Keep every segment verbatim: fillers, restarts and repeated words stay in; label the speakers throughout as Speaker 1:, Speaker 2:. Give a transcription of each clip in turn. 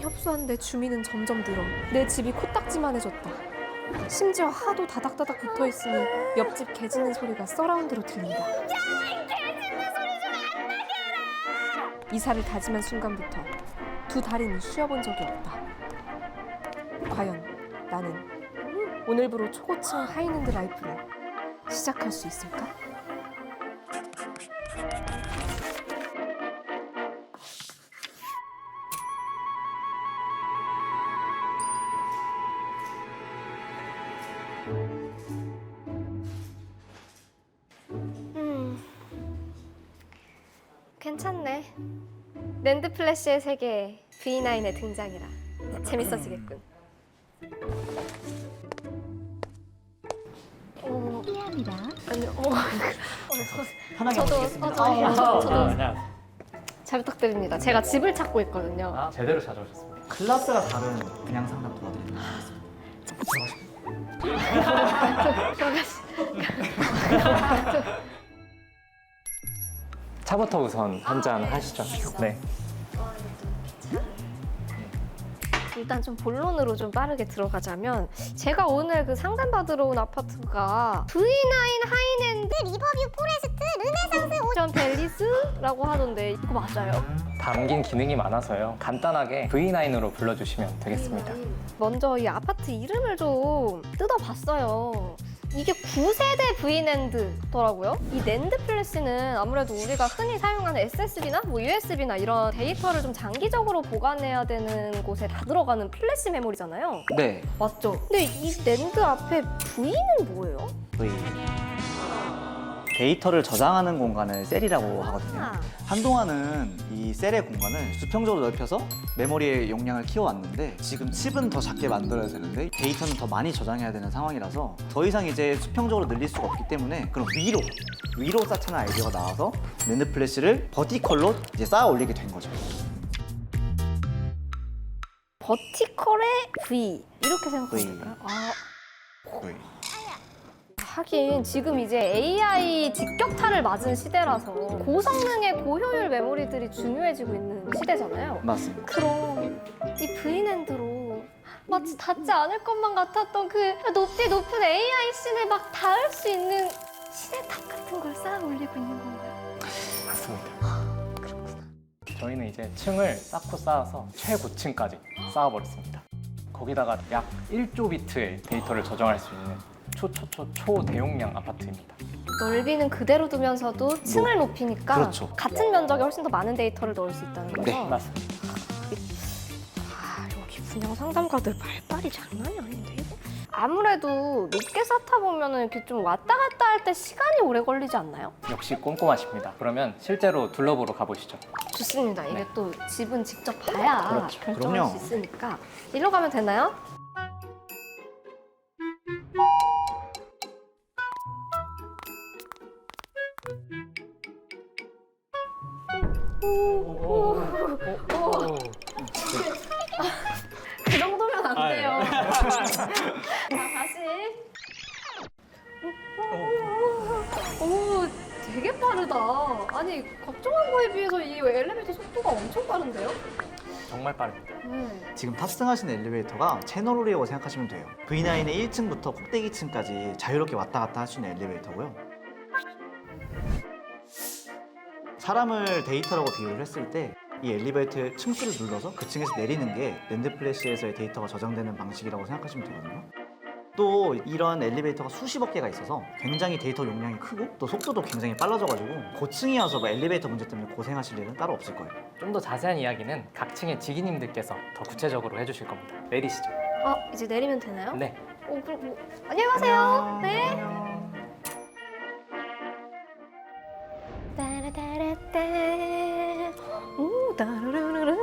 Speaker 1: 협소한데 주민은 점점 늘어. 내 집이 코딱지만해졌다. 심지어 하도 다닥다닥 붙어있으니 옆집 개 짖는 소리가 서라운드로 들린다. 이사를 다짐한 순간부터 두 다리는 쉬어본 적이 없다. 과연 나는 오늘부로 초고층 하이랜드 라이프를 시작할 수 있을까? 음, 괜찮네. 랜드 플래시의 세계에 브이나인의 등장이라 재밌어지겠군. 어,
Speaker 2: 미안합니다.
Speaker 1: 아니, 어,
Speaker 3: 편하게
Speaker 1: 저도,
Speaker 3: 먹겠습니다.
Speaker 1: 어, 저도,
Speaker 3: 아,
Speaker 1: 저도, 저도
Speaker 4: 안녕하세요.
Speaker 1: 잘 부탁드립니다. 제가 집을 찾고 있거든요.
Speaker 4: 아, 제대로 찾아오셨습니다.
Speaker 3: 클래스가 다른 분양 상담 도와드리는 거겠습니다.
Speaker 4: 차부터 우선 한 잔 하시죠. 네.
Speaker 1: 일단 좀 본론으로 좀 빠르게 들어가자면 제가 오늘 그 상담받으러 온 아파트가 브이나인 하이랜드
Speaker 2: 리버뷰 포레스트 르네상스
Speaker 1: 오션 벨리스라고 하던데 이거 맞아요?
Speaker 4: 담긴 기능이 많아서요. 간단하게 브이나인으로 불러주시면 되겠습니다.
Speaker 1: 먼저 이 아파트 이름을 좀 뜯어봤어요. 이게 구 세대 브이랜드더라고요. 이 랜드 플래시는 아무래도 우리가 흔히 사용하는 에스에스디나 뭐 유에스비나 이런 데이터를 좀 장기적으로 보관해야 되는 곳에 다 들어가는 플래시 메모리잖아요.
Speaker 3: 네.
Speaker 1: 맞죠? 근데 이 랜드 앞에 V는 뭐예요?
Speaker 3: V. 데이터를 저장하는 공간을 셀이라고 하거든요.
Speaker 1: 아.
Speaker 3: 한동안은 이 셀의 공간을 수평적으로 넓혀서 메모리의 용량을 키워왔는데 지금 칩은 더 작게 만들어야 되는데 데이터는 더 많이 저장해야 되는 상황이라서 더 이상 이제 수평적으로 늘릴 수가 없기 때문에 그럼 위로 위로 쌓자는 아이디어가 나와서 랜드 플래시를 버티컬로 이제 쌓아 올리게 된 거죠.
Speaker 1: 버티컬의 V 이렇게 생각하면
Speaker 3: V.
Speaker 1: 될까요? 아,
Speaker 3: V.
Speaker 1: 하긴 지금 이제 에이아이 직격탄을 맞은 시대라서 고성능의 고효율 메모리들이 중요해지고 있는 시대잖아요.
Speaker 3: 맞습니다.
Speaker 1: 그럼 이 브이랜드로 마치 닿지 않을 것만 같았던 그 높이 높은 에이아이 씬을 막 닿을 수 있는 신의 탑 같은 걸 쌓아 올리고 있는 건가요?
Speaker 4: 맞습니다. 저희는 이제 층을 쌓고 쌓아서 최고층까지 쌓아버렸습니다. 거기다가 약 일조 비트의 데이터를 저장할 수 있는 초초초 초대용량 아파트입니다.
Speaker 1: 넓이는 그대로 두면서도 층을 높이니까
Speaker 3: 그렇죠.
Speaker 1: 같은 면적에 훨씬 더 많은 데이터를 넣을 수 있다는 거죠?
Speaker 3: 네,
Speaker 4: 맞습니다.
Speaker 1: 아, 여기 분양 상담가들 말빨이 장난이 아닌데 이거? 아무래도 높게 쌓다 보면은 이렇게 좀 왔다 갔다 할 때 시간이 오래 걸리지 않나요?
Speaker 4: 역시 꼼꼼하십니다. 그러면 실제로 둘러보러 가보시죠.
Speaker 1: 좋습니다. 이게
Speaker 4: 네.
Speaker 1: 또 집은 직접 봐야
Speaker 4: 그렇죠.
Speaker 1: 결정할
Speaker 3: 그럼요.
Speaker 1: 수 있으니까 일로 가면 되나요? 그 정도면 안
Speaker 4: 아, 예.
Speaker 1: 돼요. 자, 다시. 오, 되게 빠르다. 아니, 걱정한 거에 비해서 이 엘리베이터 속도가 엄청 빠른데요?
Speaker 4: 정말 빠릅니다.
Speaker 1: 네.
Speaker 3: 지금 탑승하신 엘리베이터가 채널홀이라고 생각하시면 돼요. 브이나인의 일 층부터 꼭대기층까지 자유롭게 왔다 갔다 할 수 있는 엘리베이터고요. 사람을 데이터라고 비유를 했을 때 이 엘리베이터의 층수를 눌러서 그 층에서 내리는 게 랜드 플래시에서의 데이터가 저장되는 방식이라고 생각하시면 되거든요. 또 이런 엘리베이터가 수십억 개가 있어서 굉장히 데이터 용량이 크고 또 속도도 굉장히 빨라져가지고 고층이어서 뭐 엘리베이터 문제 때문에 고생하실 일은 따로 없을 거예요.
Speaker 4: 좀 더 자세한 이야기는 각 층의 지기님들께서 더 구체적으로 해주실 겁니다. 내리시죠.
Speaker 1: 어, 이제 내리면 되나요?
Speaker 4: 네.
Speaker 1: 오, 그럼 뭐, 안녕하세요. 네.
Speaker 3: 안녕.
Speaker 1: 따라따라따. 오, 따르르르르.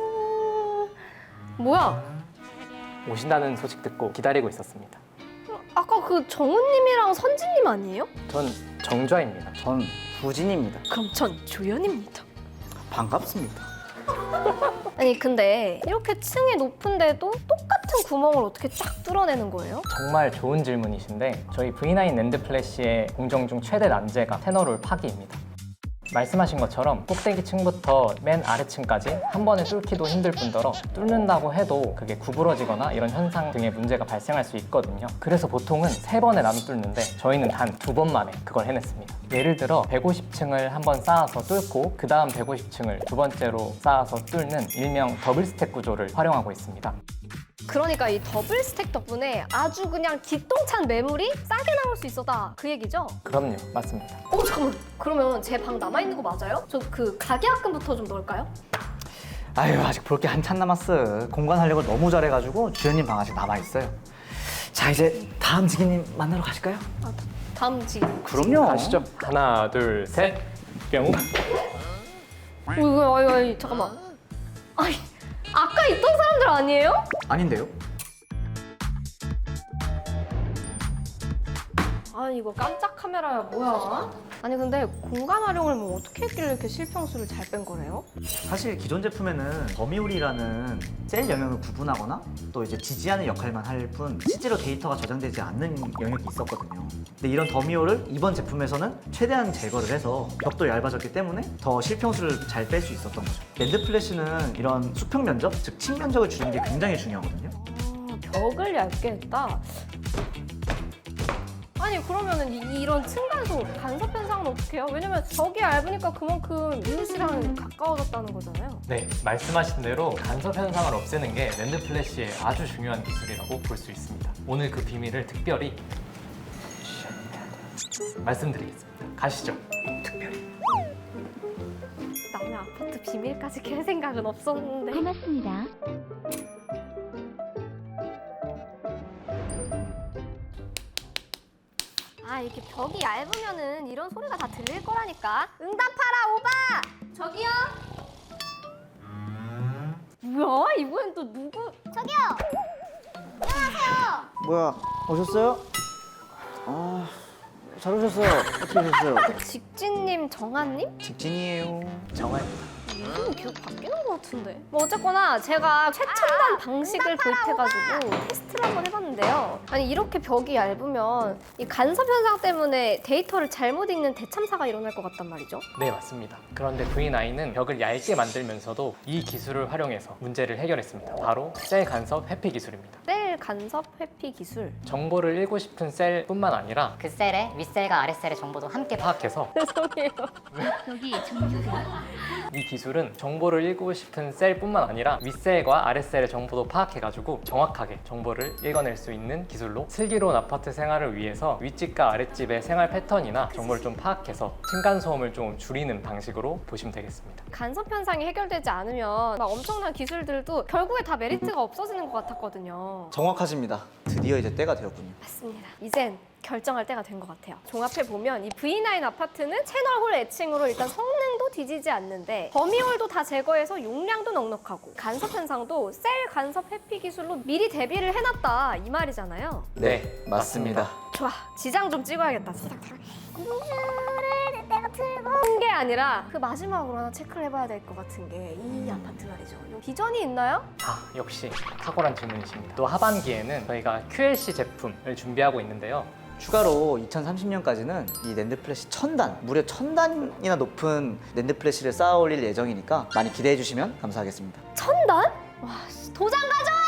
Speaker 1: 뭐야?
Speaker 4: 오신다는 소식 듣고 기다리고 있었습니다.
Speaker 1: 아까 그 정우님이랑 선진님 아니에요?
Speaker 4: 전 정좌입니다.
Speaker 3: 전 부진입니다.
Speaker 1: 그럼 전 조연입니다.
Speaker 3: 반갑습니다.
Speaker 1: 아니 근데 이렇게 층이 높은데도 똑같은 구멍을 어떻게 쫙 뚫어내는 거예요?
Speaker 4: 정말 좋은 질문이신데 저희 브이나인 랜드 플래시의 공정 중 최대 난제가 테너롤 파기입니다. 말씀하신 것처럼 꼭대기 층부터 맨 아래층까지 한 번에 뚫기도 힘들 뿐더러 뚫는다고 해도 그게 구부러지거나 이런 현상 등의 문제가 발생할 수 있거든요. 그래서 보통은 세 번에 나눠 뚫는데 저희는 단 두 번 만에 그걸 해냈습니다. 예를 들어 백오십 층을 한 번 쌓아서 뚫고 그 다음 백오십 층을 두 번째로 쌓아서 뚫는 일명 더블 스택 구조를 활용하고 있습니다.
Speaker 1: 그러니까 이 더블 스택 덕분에 아주 그냥 기똥찬 매물이 싸게 나올 수 있었다 그 얘기죠?
Speaker 4: 그럼요, 맞습니다.
Speaker 1: 어 잠깐만 그러면 제 방 남아있는 거 맞아요? 저 그 가계약금부터 좀 넣을까요?
Speaker 3: 아유 아직 볼 게 한참 남았어. 공간 활력을 너무 잘해가지고 주연님 방 아직 남아있어요. 자 이제 다음 지기님 만나러 가실까요?
Speaker 1: 아, 다음 지금
Speaker 3: 그럼요.
Speaker 4: 가시죠. 하나, 둘, 셋, 뿅.
Speaker 1: 어, 이거 아니 아니 잠깐만 아니 아까 있던 사람들 아니에요?
Speaker 3: 아닌데요?
Speaker 1: 아니 이거 깜짝 카메라야 뭐야? 아니 근데 공간 활용을 뭐 어떻게 했길래 이렇게 실평수를 잘 뺀 거래요?
Speaker 3: 사실 기존 제품에는 범위홀이라는 셀 영역을 구분하거나 또 이제 지지하는 역할만 할 뿐 실제로 데이터가 저장되지 않는 영역이 있었거든요. 근데 이런 범위홀을 이번 제품에서는 최대한 제거를 해서 벽도 얇아졌기 때문에 더 실평수를 잘 뺄 수 있었던 거죠. 랜드 플래시는 이런 수평 면적, 즉 층 면적을 줄이는 게 굉장히 중요하거든요.
Speaker 1: 아, 벽을 얇게 했다. 아니 그러면은 이, 이런 층간소 간섭 현상은 어떻게 해요? 왜냐면 벽이 얇으니까 그만큼 이웃이랑 가까워졌다는 거잖아요.
Speaker 4: 네, 말씀하신 대로 간섭 현상을 없애는 게 랜드 플래시의 아주 중요한 기술이라고 볼 수 있습니다. 오늘 그 비밀을 특별히 말씀드리겠습니다. 가시죠. 특별히.
Speaker 1: 남의 아파트 비밀까지 캘 생각은 없었는데.
Speaker 2: 고맙습니다.
Speaker 1: 아 이렇게 벽이 얇으면은 이런 소리가 다 들릴 거라니까. 응답하라 오바! 저기요? 뭐야? 이번엔 또 누구?
Speaker 2: 저기요. 안녕하세요.
Speaker 3: 뭐야, 오셨어요? 아, 잘 오셨어요. 어떻게 오셨어요?
Speaker 1: 직진님, 정한님?
Speaker 3: 직진이에요.
Speaker 4: 정말
Speaker 1: 이름이 계속 바뀌는 것 같은데. 뭐 어쨌거나 제가 최첨단 방식을 도입해가지고 테스트를 한번 해봤는데요. 아니 이렇게 벽이 얇으면 이 간섭 현상 때문에 데이터를 잘못 읽는 대참사가 일어날 것 같단 말이죠.
Speaker 4: 네, 맞습니다. 그런데 브이나인은 벽을 얇게 만들면서도 이 기술을 활용해서 문제를 해결했습니다. 바로 셀 간섭 회피 기술입니다.
Speaker 1: 셀 간섭 회피 기술.
Speaker 4: 정보를 읽고 싶은 셀뿐만 아니라
Speaker 5: 그 셀의 윗셀과 아랫셀의 정보도 함께
Speaker 4: 파악해서
Speaker 1: 죄송해요.
Speaker 2: 여기 종료가.
Speaker 4: 이 기술은 정보를 읽고 싶은 셀뿐만 아니라 윗셀과 아랫셀의 정보도 파악해가지고 정확하게 정보를 읽어낼 수 있는 기술로 슬기로운 아파트 생활을 위해서 윗집과 아랫집의 생활 패턴이나 정보를 좀 파악해서 층간소음을 좀 줄이는 방식으로 보시면 되겠습니다.
Speaker 1: 간섭 현상이 해결되지 않으면 막 엄청난 기술들도 결국에 다 메리트가 없어지는 것 같았거든요.
Speaker 3: 정확하십니다. 드디어 이제 때가 되었군요.
Speaker 1: 맞습니다. 이젠 결정할 때가 된 것 같아요. 종합해보면 이 브이나인 아파트는 채널홀 애칭으로 일단 성능도 뒤지지 않는데 범위홀도 다 제거해서 용량도 넉넉하고 간섭 현상도 셀 간섭 회피 기술로 미리 대비를 해놨다 이 말이잖아요.
Speaker 4: 네, 맞습니다.
Speaker 1: 좋아, 지장 좀 찍어야겠다. 지장.
Speaker 2: 공주를 내가 틀고.
Speaker 1: 한 게 아니라 그 마지막으로 하나 체크를 해봐야 될 것 같은 게 이 아파트 말이죠. 비전이 있나요?
Speaker 4: 아, 역시 탁월한 질문이십니다. 또 하반기에는 저희가 큐엘씨 제품을 준비하고 있는데요.
Speaker 3: 추가로 이천삼십 년까지는 이 랜드 플래시 천 단, 무려 천 단이나 높은 랜드 플래시를 쌓아 올릴 예정이니까 많이 기대해 주시면 감사하겠습니다.
Speaker 1: 천단? 와, 씨, 도장 가져와!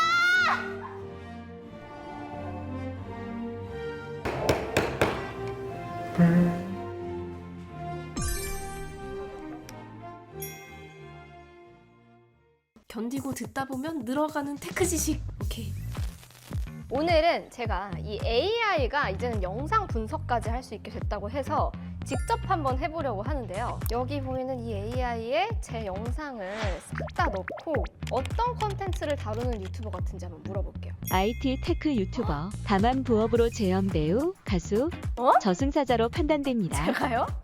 Speaker 6: 견디고 듣다 보면 늘어가는 테크 지식. 오케이.
Speaker 1: 오늘은 제가 이 에이아이가 이제는 영상 분석까지 할 수 있게 됐다고 해서 직접 한번 해보려고 하는데요. 여기 보이는 이 에이아이에 제 영상을 싹 다 넣고 어떤 컨텐츠를 다루는 유튜버 같은지 한번 물어볼게요.
Speaker 7: 아이티 테크 유튜버, 다만 부업으로 재현 배우, 가수,
Speaker 1: 어?
Speaker 7: 저승사자로 판단됩니다.
Speaker 1: 제가요?